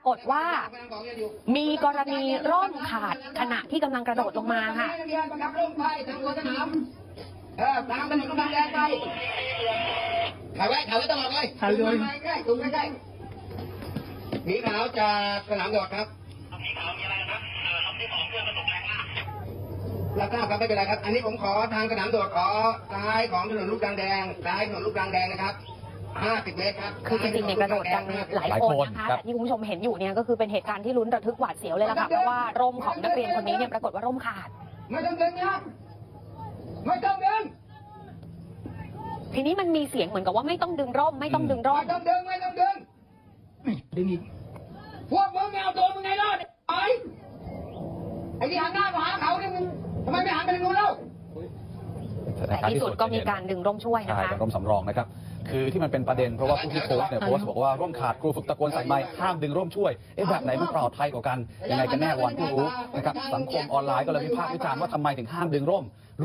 ากฏว่ามีกรณีร่มขาดขณะที่กำลังกระโดดลงมาค่ะตามถนนลูกรังแดงไปถ่ายไว้ตลอดเลยถ่ายเลยใกล้ๆตรงใกล้ๆหมีขาวจากสนามหยอดครับหมีขาวมีอะไรครับลำที่2เครื่องกระตุกแรงมากรับทราบครับไม่เป็นไรครับอันนี้ผมขอทางสนามหยอดขอซ้ายของถนนลูกรังแดงซ้ายถนนลูกรังแดงนะครับ50 เมตรครับคือจริงๆเนี่ยกระโดดกันหลายคนนะคะแต่ที่คุณผู้ชมเห็นอยู่เนี่ยก็คือเป็นเหตุการณ์ที่ลุ้นระทึกหวาดเสียวเลยล่ะค่ะเพราะว่าร่มของนักเรียนคนนี้เนี่ยปรากฏว่าร่มขาดไม่ต้องดึงนะไม่ต้องดึงทีนี้มันมีเสียงเหมือนกับว่าไม่ต้องดึงร่มไม่ต้องดึงร่มไม่ต้องดึงดึงอีกพวกมึงเอาตัวมึงไงรอดไอ้ที่หันหน้ามาหาเขาเนี่ยมึงทำไมไม่หันไปทางนู้นเล่าแต่ที่สุดก็มีการดึงร่มช่วยนะคะร่มสำรองนะครับคือที่มันเป็นประเด็นเพราะว่าผู้ที่โพสต์เนี่ยโพสต์บอกว่าร่มขาดครูฝึกตะโกนใส่ไมค์ห้ามดึงร่มช่วยแบบไหนมันปลอดภัยกว่ากันยังไงกันแน่วันผู้รู้นะครับสังคมออนไลน์ก็เลยวิพากษ์วิจารณ์ว่าทำไมถึงห้ามดึงร่ม